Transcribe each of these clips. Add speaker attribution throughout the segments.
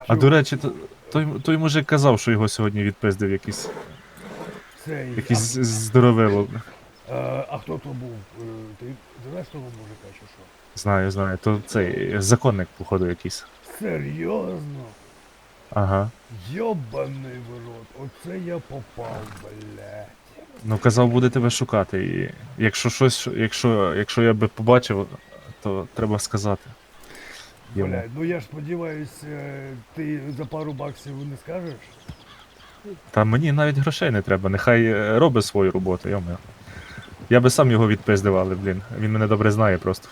Speaker 1: А до речі, той мужик казав, що його сьогодні відпиздив якийсь
Speaker 2: Цей,
Speaker 1: здоровило.
Speaker 2: а хто то був? Ти знаєш того мужика чи що?
Speaker 1: Знаю. То цей законник, походу, якийсь.
Speaker 2: Серйозно?
Speaker 1: Ага.
Speaker 2: Йобаний в рот, оце я попав, блядь.
Speaker 1: Ну, казав, буде тебе шукати. І якщо щось, якщо я би побачив, то треба сказати йому.
Speaker 2: Блядь, ну я ж сподіваюсь, ти за пару баксів не скажеш?
Speaker 1: Та мені навіть грошей не треба, нехай робить свою роботу, йомо. Я би сам його відпиздив, але, блін, він мене добре знає просто.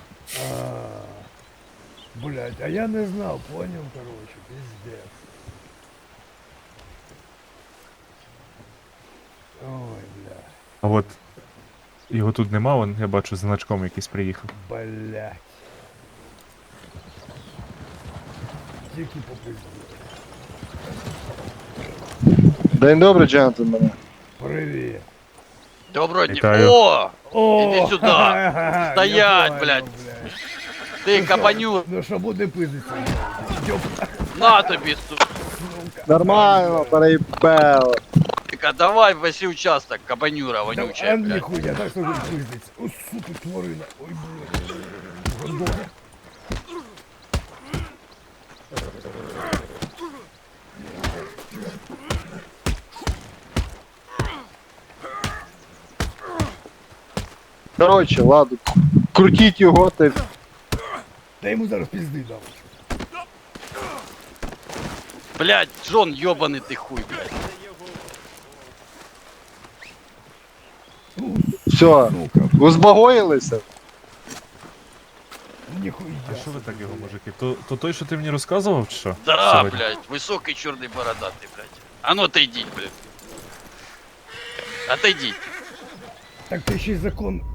Speaker 2: Блядь, а я не знав, понял, короче, пиздец. Ой, блядь,
Speaker 1: А от його тут нема, вон, я бачу, з значком якийсь приїхав.
Speaker 2: блядь. Тільки попиздец.
Speaker 3: День добрий, джентльмени.
Speaker 2: Привіт.
Speaker 4: Доброго дня.
Speaker 1: Вітаю.
Speaker 4: О!
Speaker 2: О,
Speaker 4: Іди сюди.
Speaker 2: ха-ха-ха,
Speaker 4: Стоять,
Speaker 2: я понял,
Speaker 4: блядь. Ти кабаню.
Speaker 2: Ну що буде пиздиться? Йоп,
Speaker 4: На тобі, сука.
Speaker 3: Нормально, переїбало.
Speaker 4: Давай веси участок, кабанюра
Speaker 2: а
Speaker 4: вонючая, блядь.
Speaker 2: ніхуя, так що він пиздиться. О, сука, тварина. Ой, блядь. Гандон.
Speaker 3: Коротше, ладно, крутіть його, ти.
Speaker 2: Та йому зараз пізди дам.
Speaker 4: Блядь, Джон, ёбаный ты хуй, блядь.
Speaker 3: Все,
Speaker 2: Сука,
Speaker 3: ви збагоїлися?
Speaker 2: ніхуя.
Speaker 1: А що ви так його, мужики? То той, що ти мені розказував, чи що?
Speaker 4: Да,
Speaker 1: Сьогодні?
Speaker 4: блядь, высокий черный бородатый, блядь. А ну отойди, блядь. Отойди.
Speaker 2: Так ти ще й закон